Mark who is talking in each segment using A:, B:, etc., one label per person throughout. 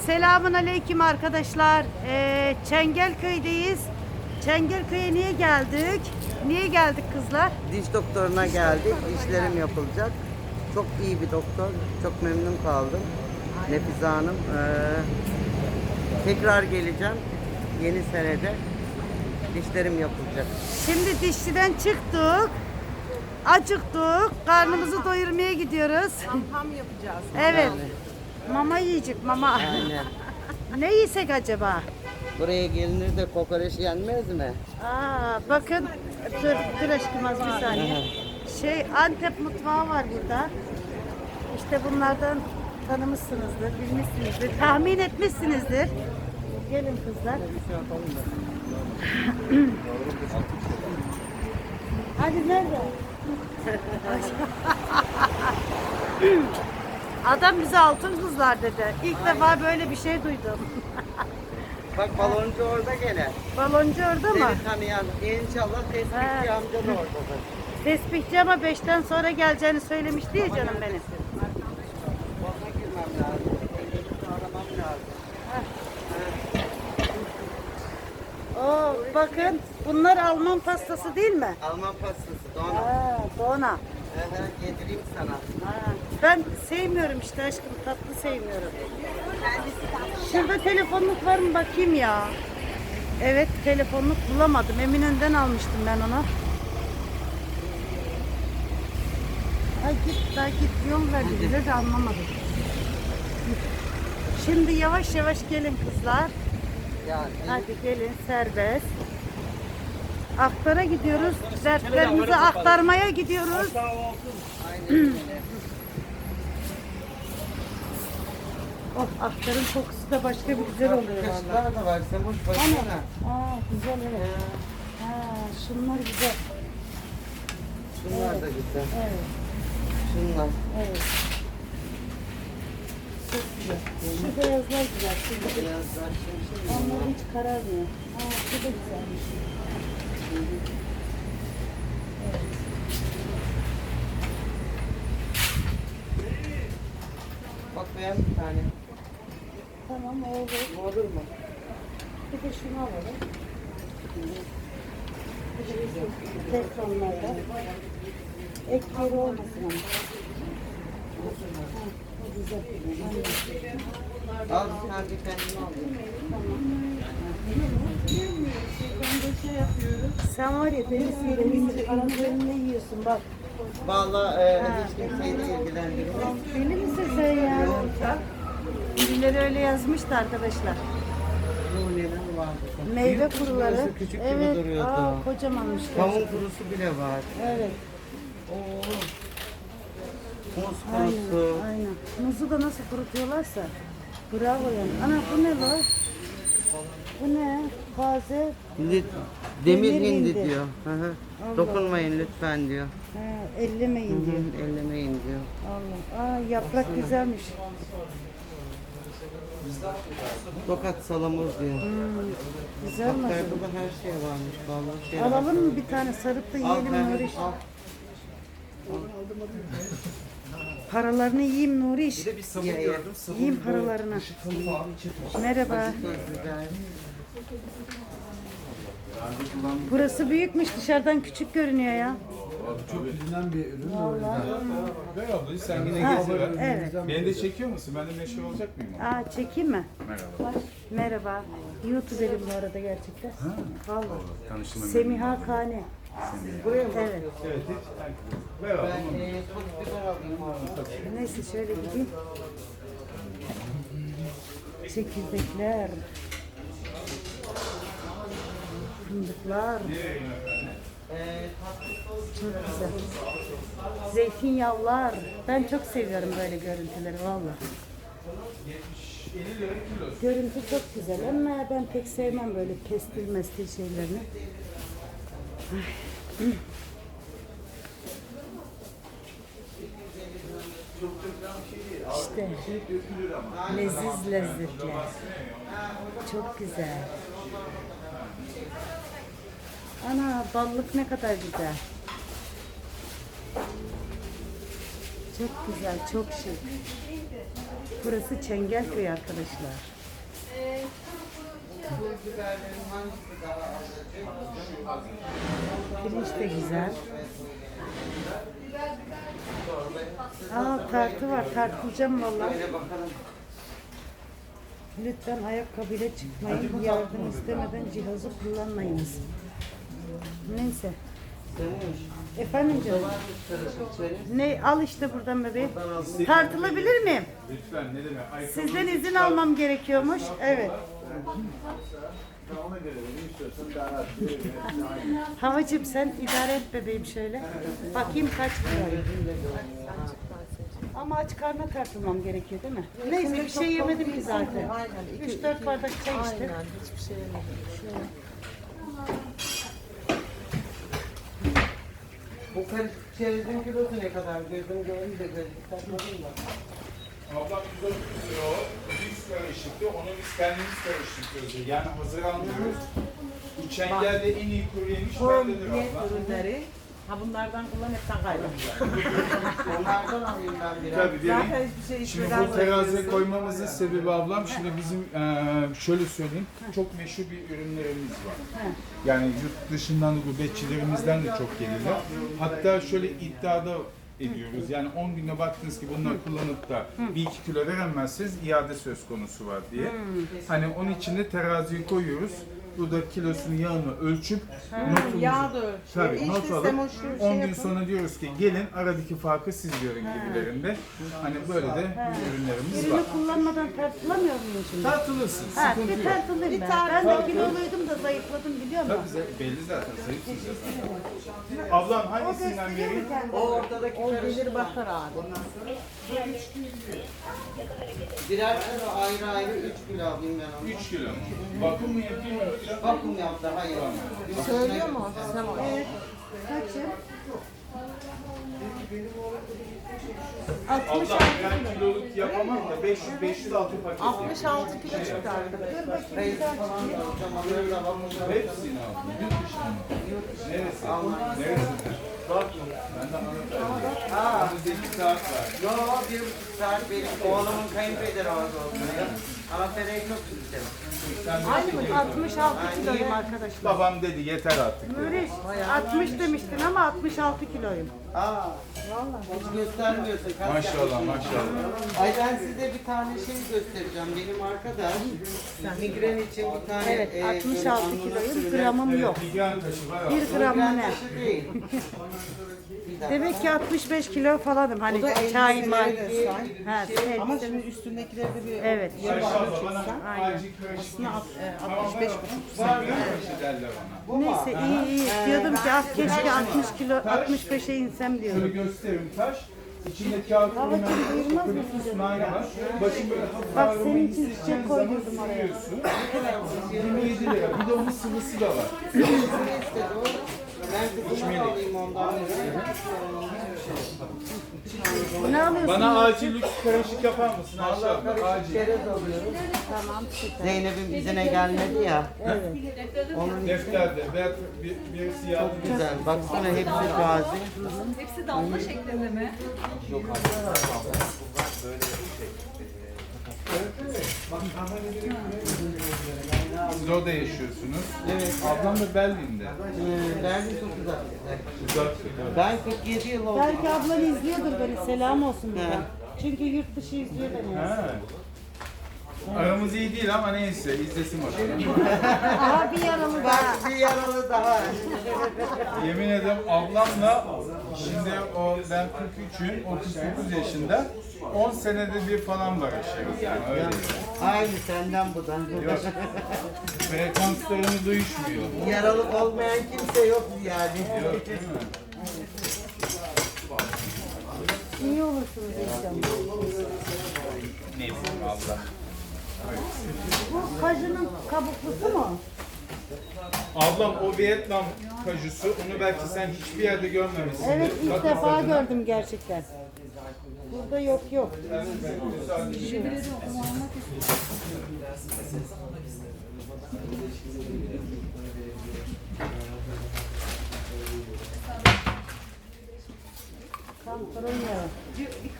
A: Selamun aleyküm arkadaşlar. Çengelköy'deyiz. Çengelköy'e niye geldik? Niye geldik kızlar?
B: Diş doktoruna geldik. Dişlerim yapılacak. Çok iyi bir doktor. Çok memnun kaldım. Nefize Hanım. Tekrar geleceğim. Yeni senede dişlerim yapılacak.
A: Şimdi dişçiden çıktık. Acıktık. Karnımızı doyurmaya gidiyoruz.
C: Ham yapacağız.
A: Evet.
B: Yani,
A: Mama yiyecek mama.
B: aynen.
A: Ne yesek acaba?
B: Buraya gelinir de kokoreç yenmez mi?
A: Bakın. Dur aşkım az bir saniye. Antep mutfağı var burada. İşte bunlardan tanımışsınızdır, bilmişsinizdir, tahmin etmişsinizdir. Gelin kızlar. Hadi nerede? Adam bize altın kızlar dedi. İlk defa böyle bir şey duydum.
B: Bak baloncu orada gene.
A: Baloncu orada mı?
B: Seni tanıyan inşallah tespihçi amca da oradadır.
A: Tespihçi ama 5'ten sonra geleceğini söylemişti ya canım benim.
B: Bana girmem lazım. Elini aramam lazım.
A: Bakın bunlar Alman pastası değil mi?
B: Alman pastası Dona.
A: Dona.
B: Yedireyim sana.
A: Ben sevmiyorum işte aşkım, tatlı sevmiyorum. Şurada telefonluk var mı bakayım ya. Evet, telefonluk bulamadım. Eminönü'nden almıştım ben onu. Ay git daha git, yol verdi bize de anlamadım. Şimdi yavaş yavaş gelin kızlar.
B: Yani
A: Hadi gelin, serbest. Aktara gidiyoruz. Dertlerimizi aktarmaya gidiyoruz.
B: aynen öyle.
A: Oh, aktarın kokusu da başka bir güzel oluyor vallahi.
B: Kaşıklar da var. Semuş baksana.
A: Güzel evet. Şunlar güzel.
B: Şunlar da güzel.
A: Evet,
B: Şunlar.
A: evet. Çok güzel. Şu beyazlar güzel. Şu güzel.
B: Beyazlar şimdi.
A: Onlar hiç kararmıyor. Şu da güzelmiş.
B: Bak beğen bir tane.
A: Tamam olur.
B: Bu olur mu?
A: Bir de şunu alalım. Bir de şu teflonlardan. Ek yeri olmasın ama. O güzel.
B: Al bir tane kendime alayım.
A: Sen var ya deniz karanlarını yiyorsun bak.
B: Vallahi hiç kimseyi de ilgilendirmez.
A: Deli misin sen ya? Birileri öyle yazmıştı arkadaşlar.
B: Bu neler vardı?
A: Meyve
B: Büyük
A: kuruları.
B: kurusu küçük
A: Evet.
B: gibi duruyordu.
A: Kocamanmış.
B: Kavun
A: gerçekten.
B: kurusu bile var.
A: Evet.
B: Oo. Muz
A: Aynen.
B: kurusu.
A: Aynen. Muzu da nasıl kurutuyorlarsa. Bravo yani. Ana bu ne lan? Bu ne? Taze.
B: Demir
A: Demir
B: hindi
A: hindi.
B: diyor. Hı hı.
A: Allah.
B: Dokunmayın lütfen diyor.
A: Ellemeyin diyor.
B: Ellemeyin diyor.
A: Allah. Yaprak güzelmiş.
B: Tokat salamuz diyor.
A: Güzel
B: Bak
A: mi?
B: da her şey varmış vallahi. Şey
A: Alalım mı bir tane sarıp da
B: Al
A: yiyelim
B: ben
A: Nuriş?
B: al.
A: Paralarını yiyeyim Nuriş.
D: Bir sabun
B: Ya, ya.
D: gördüm. Sabun
A: Yiyeyim paralarını.
D: falan çıkmış.
A: Merhaba.
B: Çok güzel.
A: Burası büyükmüş, dışarıdan küçük görünüyor ya.
D: Çok bilinen bir ürün.
E: Ver ablayı sen yine
A: Ha,
E: gezi ver.
A: evet.
E: Beni de çekiyor musun? Ben de meşhur olacak mıyım?
A: Çekeyim mi?
E: Merhaba.
A: Merhaba. YouTuber'im bu arada gerçekten. Vallahi.
E: Tanıştığıma memnun
A: Semiha Kane.
B: Buraya mı?
A: Evet.
E: Evet, hiç. Ver
B: Ben
E: abla.
B: çok biber alayım abi.
A: Neyse şöyle gideyim. Çekirdekler. Fındıklar. Çok güzel. Zeytinyağlar. Ben çok seviyorum böyle görüntüleri valla. Görüntü çok güzel ama ben pek sevmem böyle pestil mestil şeylerini. İşte leziz lezzetler. Çok güzel. Ana ballık ne kadar güzel. Çok güzel, çok şık. Burası Çengelköy arkadaşlar. Pirinç de güzel. Aa, tartı var. Tartılacağım vallahi. Lütfen ayakkabıyla çıkmayın. Yardım istemeden cihazı kullanmayınız. Neyse. Efendim canım. Ne al işte buradan bebeğim. Tartılabilir miyim?
E: Lütfen ne demek? Ayakkabı
A: Sizden izin almam gerekiyormuş. Evet.
E: ona göre ne istiyorsan daha rahat.
A: Havacığım sen idare et bebeğim şöyle. Bakayım kaç kilo. Ama aç karnına tartılmam gerekiyor değil mi? Neyse bir şey yemedim ki zaten. 3-4 bardak çay içtim.
C: Aynen, hiçbir şey yemedim.
B: Bu karışık çerezin kilosu ne kadar? Gözüm görünce de gözlük takmadım da.
E: Ablam 130 lira o. Biz karışıktı. Onu biz kendimiz karıştırıyoruz. Yani hazır almıyoruz. Bu çengelde en iyi kuru yemiş bendedir
C: Diyet
E: abla.
C: ürünleri. Ha bunlardan kullan hepten kaybeder.
B: Onlardan alayım ben biraz.
E: Tabii
C: Zaten
E: demin.
C: hiçbir şey
E: Şimdi
C: içmeden
E: bu teraziye
C: bırakıyorsun.
E: koymamızın sebebi ablam, şimdi bizim şöyle söyleyeyim, çok meşhur bir ürünlerimiz var. Yani yurt dışından da gurbetçilerimizden de çok gelirler. Hatta şöyle iddiada ediyoruz. Yani 10 günde baktınız ki bunları kullanıp da 1-2 kilo veremezseniz iade söz konusu var diye. Hani onun için de teraziye koyuyoruz. Burada kilosunu, yağını ölçüp notumuzu,
C: Yağ da ölçüyor.
E: tabii,
C: İşte
E: not alıp
C: semoşlu bir şey
E: 10 gün
C: yapın.
E: sonra diyoruz ki gelin aradaki farkı siz görün gibilerinde. Hani böyle de ürünlerimiz var.
A: Ürünü kullanmadan tartılamıyor muyum şimdi?
E: Tartılırsın,
A: Ha,
E: sıkıntı
A: bir
E: yok.
A: tartılayım ben. Ben de kiloluydum da zayıfladım biliyor musun?
E: Tabii belli zaten, zayıfsın zaten. Ablam hangisinden vereyim?
B: O ortadaki
C: O
B: karışık.
C: gelir bakar abi.
B: Birer kilo ayrı ayrı 3 kilo alayım ben onu.
E: 3 kilo mu? Bakım mı yapayım yoksa?
B: Vakum yaptı, hayır.
C: Söylüyor mu? Semo.
A: Kaçı?
E: Ablam ben kiloluk yapamam da 500 altı paket yapayım.
C: 66 kilo çıktı arkadaşlar.
B: Reis falan da alacağım, onları da vakum yaptım.
E: Hepsini aldım. Yurt dışına mı? Neresi? Neresinden? Ben de anlatayım. Önümüzde 2 saat var.
B: Yo, 1,5 saat benim oğlumun kayınpederi orada oturuyor. Ama Fere'yi çok gittim.
A: Aynı mı? 66 kiloyum arkadaşlar.
E: Babam dedi yeter artık.
A: Nuriş 60 demiştin ama 66 kiloyum.
B: Aa, hiç göstermiyorsun. Kaç
E: Maşallah
B: yapmışsın?
E: maşallah.
B: Ay ben size bir tane şey göstereceğim. Benim arkadaş migren için bir tane...
A: Evet 66 kiloyum, gramım yok.
E: Migren taşı var abi.
A: 1 gram mı ne?
B: taşı değil. Bir dakika.
A: Demek ki 65 kilo falanım. Hani çay, maki. Ha,
C: Ama
A: elbise.
C: şimdi üstündekileri de bir
A: Evet.
E: Ayşe abla bana
A: Aynen.
E: acil karışık.
C: aslında 65
E: Migren taşı derler bana.
A: Neyse iyi. Diyordum ki ah keşke 60 kilo 65'e insem
E: Şöyle
A: diyorum.
E: göstereyim taş. İçinde kağıt
A: Babacığım,
E: kurunan
A: duyulmaz mı
E: köpüklü
A: sizin
E: sunayla
A: ya?
E: var. Başım böyle hafif
A: Bak,
E: ağrıma
A: senin için
E: hissedeceğin
A: çiçek
E: zaman
A: koydurdum oraya.
E: sürüyorsun. 27 lira. Bir de onun sıvısı da var.
B: Ne istedi o? Ben kızımı alayım ondan.
A: Ne alıyorsun?
E: Bana acil lüks karışık yapar mısın Ayşe
B: Allah
E: abla?
B: karışık
E: Acil.
B: çerez alıyoruz.
A: Tamam süper.
B: Zeynep'in izine gelmedi ya. Onun
E: Defterde veya birisi yardım etsin.
B: güzel. Baksana hepsi gazi.
F: Hepsi damla şeklinde mi?
E: Siz orada yaşıyorsunuz.
B: Evet.
E: Ablam da Berlin'de.
B: Berlin çok uzak.
E: Uzak.
B: Ben 47 yıl oldu.
A: Belki ablan izliyordur beni. Selam olsun bize. Çünkü yurt dışı izliyor beni.
E: Ha. Aramız iyi değil ama neyse izlesin bakalım.
A: Aha bir yaralı daha.
B: Bak bir yaralı daha.
E: Yemin ederim ablamla şimdi o ben 43'üm, o 49 yaşında. 10 senede bir falan barışıyoruz yani öyle.
B: Aynı senden bu da.
E: Yok. Frekanslarımız uyuşmuyor.
B: Yaralı olmayan kimse yok yani.
E: Yok değil mi?
A: İyi olursunuz inşallah.
E: Neyse Allah.
A: Bu kajının kabuklusu mu?
E: Ablam o Vietnam kajusu, onu belki sen hiçbir yerde görmemişsindir.
A: Evet ilk
E: Bak
A: defa
E: tadına.
A: gördüm gerçekten. Burada yok. Kantaron yağı.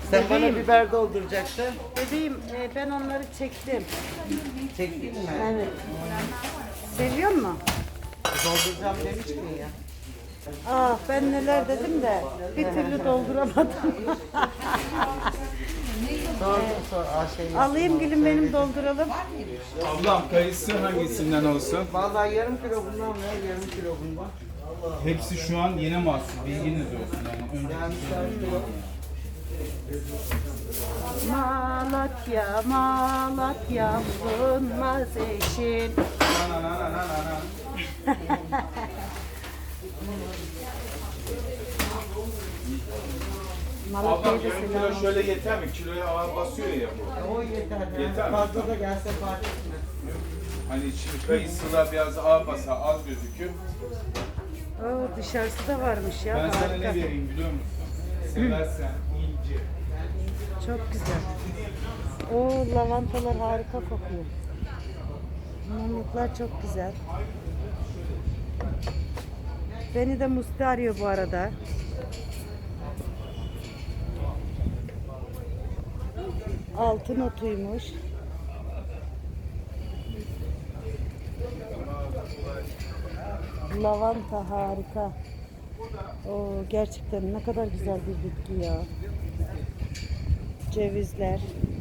B: Sen bana
A: Bebeğim.
B: biber dolduracaktın.
A: Bebeğim ben onları çektim.
B: Çektin mi?
A: Evet. Seviyor musun?
B: Dolduracağım demiştin ya.
A: Ah ben neler dedim de bir türlü dolduramadım.
B: Sor.
A: Alayım gülüm benim dolduralım.
E: Ablam kayısı hangisinden olsun?
B: Vallahi yarım kilo bundan ver, yarım kilo bundan.
E: Hepsi şu an yeni mahsul. Bilginiz olsun. Yani
A: Malatya, Malatya bulunmaz eşin.
E: Ablam
A: Malatya'ya da
E: yarım kilo
A: selam.
E: şöyle yeter mi? Kiloya ağır basıyor ya bu.
B: O yeter.
E: Yeter mi?
B: Fazla da gelse fark etmez.
E: Hani şimdi kayısılar biraz ağır basar, az gözükür.
A: Oo, dışarısı da varmış ya.
E: Ben sana ne
A: Harika.
E: vereyim biliyor musun? Seversen ince.
A: Çok güzel. O lavantalar harika kokuyor. Mumluklar çok güzel. Beni de Musti arıyor bu arada. Altın otuymuş. Lavanta harika. O gerçekten ne kadar güzel bir bitki ya. Cevizler.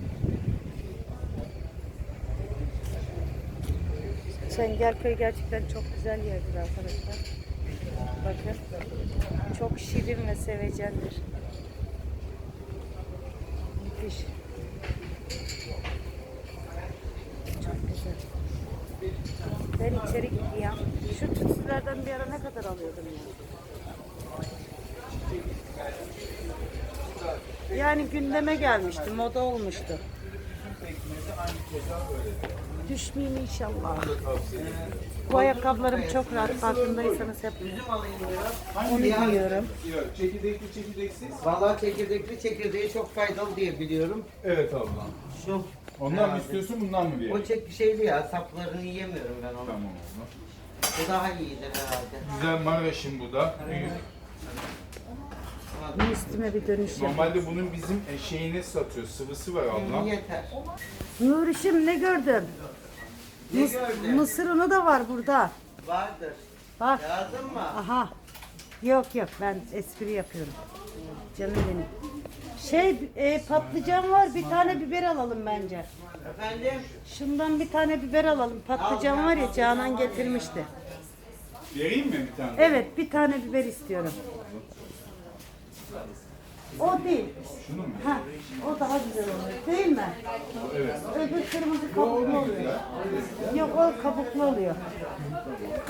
A: Çengelköy gerçekten çok güzel yerdir arkadaşlar. Bakın. Çok şirin ve sevecendir. Müthiş. Çok güzel. Ben içeri gidiyorum. Şu tütsülerden bir ara ne kadar alıyordum ya? Yani gündeme gelmişti, moda olmuştu. Düşmeyeyim inşallah. Bu ayakkabılarım çok rahat, farkındaysanız hep onu giyiyorum.
E: Yok, çekirdekli çekirdeksiz.
B: Vallahi çekirdeği çok faydalı diye biliyorum.
E: Evet ablam.
B: Şu.
E: Ondan mı istiyorsun, bundan mı
B: O
E: vereyim?
B: şeyli ya, saplarını yiyemiyorum ben onu.
E: Tamam ablam.
B: Bu daha iyidir herhalde.
E: Güzel Maraş'ın bu da. Büyük.
A: Bir üstüme bir dönüş yap.
E: Normalde bunun bizim şeyini satıyor, sıvısı var ablam.
B: Yeter.
A: Nurişim ne gördüm?
B: Ne gördün?
A: Mısır unu da var burada.
B: Vardır.
A: Bak.
B: Lazım mı?
A: Aha. Yok ben espri yapıyorum. Canım benim. Patlıcan var, bir tane biber alalım bence.
B: Efendim?
A: Şundan bir tane biber alalım. Patlıcan var ya, Canan getirmişti.
E: Vereyim mi bir tane?
A: Evet, bir tane biber istiyorum. O değil.
E: Şunu mu?
A: Ha, o daha güzel olur. Değil mi?
E: Evet.
A: Öbür kırmızı kabuklu oluyor. Yok, o kabuklu oluyor.